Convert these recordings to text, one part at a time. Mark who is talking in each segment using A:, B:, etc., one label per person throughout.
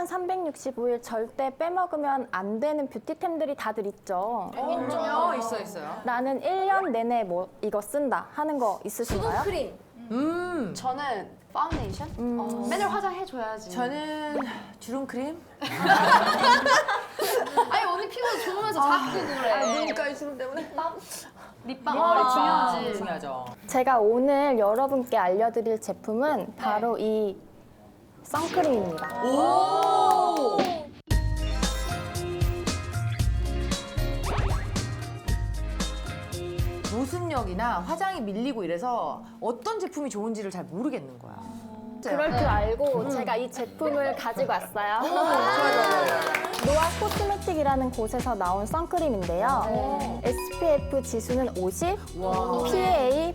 A: 365일 절대 빼먹으면 안 되는 뷰티템들이 다들 있죠.
B: 있어요.
A: 나는 1년 내내 뭐 이거 쓴다 하는 거 있으신가요?
C: 수분크림. 저는 파운데이션. 맨날 화장해줘야지.
B: 저는 주름크림?
C: 아니 언니 피부 좋으면서 자꾸 그래.
B: 눈가에 주름 때문에?
C: 립밤 중요하지.
B: 중요하죠.
A: 제가 오늘 여러분께 알려드릴 제품은 바로 이 선크림입니다.
B: 오! 모습력이나 화장이 밀리고 이래서 어떤 제품이 좋은지를 잘 모르겠는 거야.
A: 그럴 줄 알고 제가 이 제품을 가지고 왔어요. 노아 코스메틱이라는 곳에서 나온 선크림인데요. SPF 지수는 50, PA++++3+.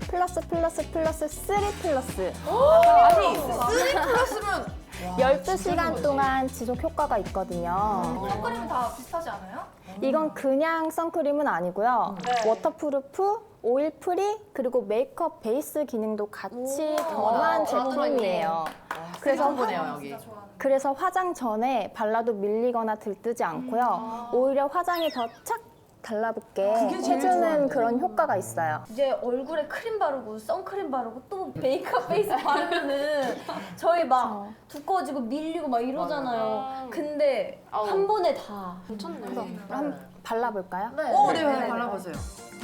B: 아니, 3+면
A: 12시간 동안 지속 효과가 있거든요.
D: 선크림은 다 비슷하지 않아요?
A: 이건 그냥 선크림은 아니고요. 워터프루프, 오일 프리, 그리고 메이크업 베이스 기능도 같이 더한 제품이에요.
B: 그래서 보네요 여기.
A: 그래서 화장 전에 발라도 밀리거나 들뜨지 않고요. 오히려 화장이 더 착 달라붙게 해주는 그런 효과가 있어요.
D: 이제 얼굴에 크림 바르고 선크림 바르고 또 메이크업 베이스 바르면은 저희 막 두꺼워지고 밀리고 막 이러잖아요. 근데 한 번에 다.
C: 괜찮네.
A: 한번 발라볼까요?
B: 네, 발라보세요.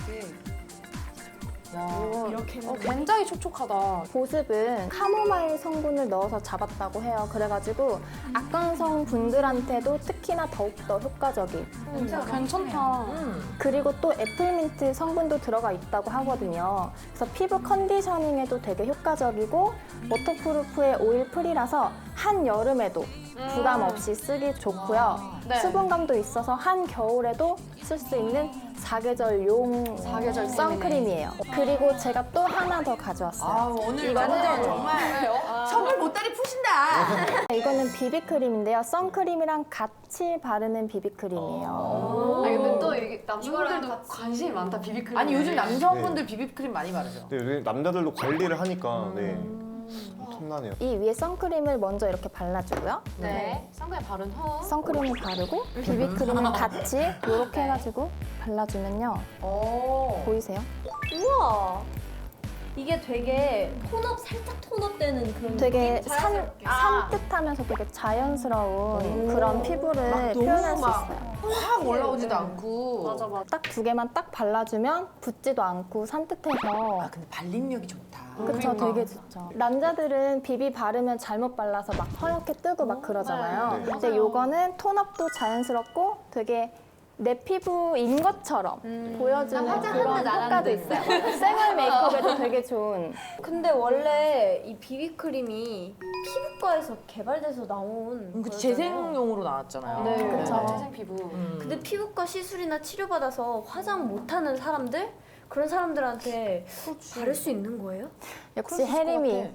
C: 이렇게 굉장히 촉촉하다.
A: 보습은 카모마일 성분을 넣어서 잡았다고 해요. 그래가지고 악건성 분들한테도 특히나 더욱더 효과적인.
C: 괜찮다.
A: 그리고 또 애플민트 성분도 들어가 있다고 하거든요. 그래서 피부 컨디셔닝에도 되게 효과적이고 워터프루프의 오일 프리라서 한여름에도 부담 없이 쓰기 좋고요.
C: 네.
A: 수분감도 있어서 한겨울에도 쓸 수 있는 사계절용
C: 사계절
A: 선크림이에요. 그리고 제가 또 하나 더 가져왔어요.
B: 아, 오늘 완전 정말 선물 보따리 푸신다.
A: 이거는 비비크림인데요. 선크림이랑 같이 바르는 비비크림이에요.
C: 아니 근데 또 이게 남자분들도 관심이 많다 비비크림.
B: 아니 요즘 남성분들 비비크림 많이 바르죠.
E: 네, 요즘 남자들도 관리를 하니까 네. 탐나네요.
A: 이 위에 선크림을 먼저 이렇게 발라주고요.
C: 네. 선크림 바른 후.
A: 선크림을 바르고 비비크림을 같이 이렇게 해가지고 발라주면요. 보이세요?
D: 우와. 이게 되게 살짝 톤업되는 그런
A: 되게
D: 느낌?
A: 산뜻하면서 되게 자연스러운 그런 피부를 표현할 수 있어요.
B: 확 올라오지도 않고.
C: 맞아.
A: 딱 두 개만 딱 발라주면 붓지도 않고 산뜻해서
B: 아 근데 발림력이 좋다.
A: 그쵸, 되게 좋죠. 남자들은 비비 바르면 잘못 발라서 막 허옇게 뜨고 막 그러잖아요.
E: 네.
A: 근데 요거는 톤업도 자연스럽고 되게 내 피부인 것처럼 보여주는 그런 효과도 있어요. 생얼 메이크업에도 되게 좋은.
D: 근데 원래 이 비비크림이 피부과에서 개발돼서 나온
B: 그
D: 거잖아요.
B: 재생용으로 나왔잖아요.
C: 네.
A: 그쵸.
C: 재생 피부.
D: 근데 피부과 시술이나 치료받아서 화장 못하는 사람들? 그런 사람들한테 바를 수 있는 거예요?
A: 역시 혜림이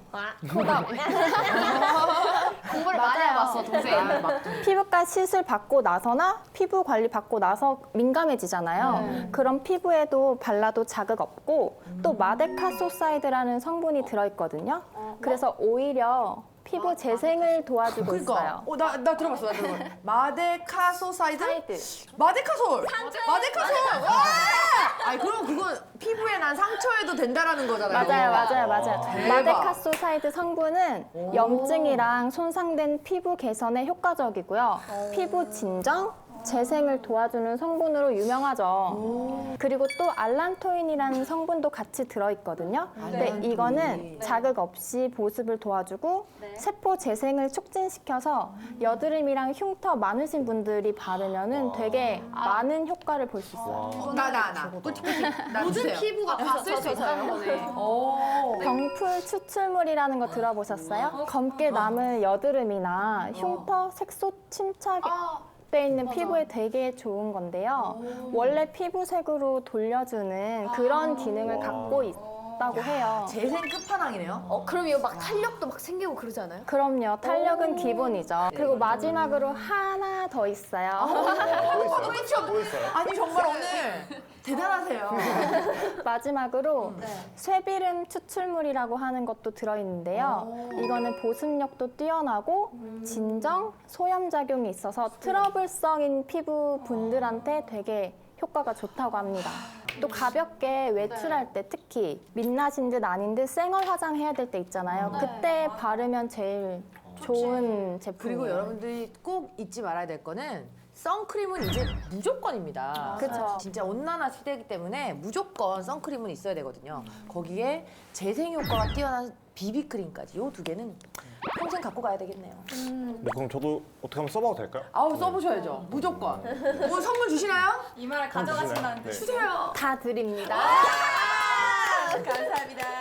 C: 공부를 많이 해봤어 동생.
A: 피부과 시술 받고 나서나 피부 관리 받고 나서 민감해지잖아요. 그런 피부에도 발라도 자극 없고 또 마데카소사이드라는 성분이 들어있거든요. 그래서 오히려 피부 재생을 도와주고 있어요.
B: 그러니까. 나 들어봤어. 마데카소사이드? 마데카솔. 마데카솔. 와! 아니 그럼 그건 피부에 난 상처에도 된다라는 거잖아요.
A: 맞아요.
B: 대박.
A: 마데카소사이드 성분은 염증이랑 손상된 피부 개선에 효과적이고요. 피부 진정, 재생을 도와주는 성분으로 유명하죠. 그리고 또 알란토인이라는 성분도 같이 들어있거든요. 근데 이거는 자극 없이 보습을 도와주고 세포 재생을 촉진시켜서 여드름이랑 흉터 많으신 분들이 바르면은 되게 많은 효과를 볼 수 있어요.
B: 나. 뿌틱뿌틱. 나
C: 모든
B: 주세요.
C: 피부가 다 쓸 수 있다는 거네.
A: 병풀 추출물이라는 거 들어보셨어요? 검게 남은 여드름이나 흉터, 색소 침착 돼 있는 피부에 되게 좋은 건데요. 원래 피부색으로 돌려주는 그런 기능을 갖고 좋다고 해요.
B: 재생 끝판왕이네요.
D: 그럼 이거 막 탄력도 막 생기고 그러지 않아요?
A: 그럼요. 탄력은 기본이죠. 그리고 마지막으로 하나 더 있어요.
E: 또 있어요.
B: 아니 정말 오늘 대단하세요.
A: 마지막으로 쇠비름 추출물이라고 하는 것도 들어있는데요. 이거는 보습력도 뛰어나고 진정, 소염작용이 있어서 트러블성인 피부 분들한테 되게 효과가 좋다고 합니다. 또 가볍게 외출할 때 특히 민낯인 듯 아닌 듯 생얼 화장해야 될 때 있잖아요. 그때 바르면 제일 좋은 제품이에요.
B: 그리고 여러분들이 꼭 잊지 말아야 될 거는 선크림은 이제 무조건입니다.
A: 그쵸.
B: 진짜 온난화 시대이기 때문에 무조건 선크림은 있어야 되거든요. 거기에 재생 효과가 뛰어난 비비크림까지 이 두 개는 평생 갖고 가야 되겠네요.
E: 뭐 그럼 저도 어떻게 한번 써봐도 될까요?
B: 아우 써보셔야죠. 무조건. 뭐 선물 주시나요?
F: 이마를 가져가신다는데.
E: 네.
B: 주세요.
A: 다 드립니다.
B: 감사합니다.